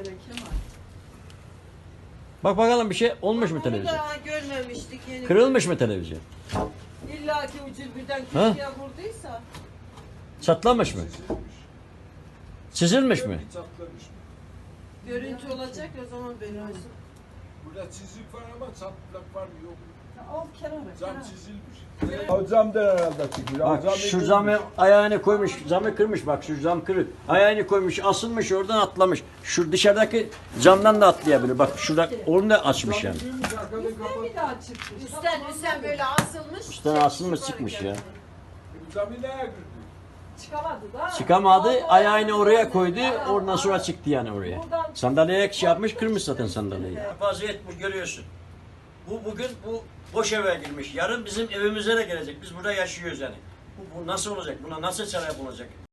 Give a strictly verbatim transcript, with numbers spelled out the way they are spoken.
Kemal. Bak bakalım bir şey olmuş mu televizyon? Daha görmemiştik yeni. Kırılmış mı televizyon? İlla ki ucuz birden Ha? köşeye vurduysa. Çatlamış mı? Çizilmiş mi? Çatlamış. Görüntü olacak o zaman böyle olsun. Burada çizik var ama çatlak var mı yok mu? Al kenara. Cam kenara. çizilmiş. O camdan herhalde çıkıyor. Bak şu camı ayağını koymuş, camı kırmış bak şu cam kırık. Ayağını koymuş, asılmış oradan atlamış. Şu dışarıdaki camdan da atlayabilir. Bak şurada onu da açmış yani. Üstten bir daha çıktı. Üstten üstten böyle asılmış. Üstten asılmış çıkmış ya. Camı neye girdi? Çıkamadı da. Çıkamadı, Aldı, ayağını aldı, oraya aldı. koydu, Ha, oradan sonra ha. çıktı yani oraya. Buradan- Sandalyeye şey yapmış, kırmış zaten sandalyeyi. Vaziyet bu görüyorsun. Bu bugün bu boş eve girmiş. Yarın bizim evimize de gelecek. Biz burada yaşıyoruz yani. Bu, bu nasıl olacak? Buna nasıl çare bulacak?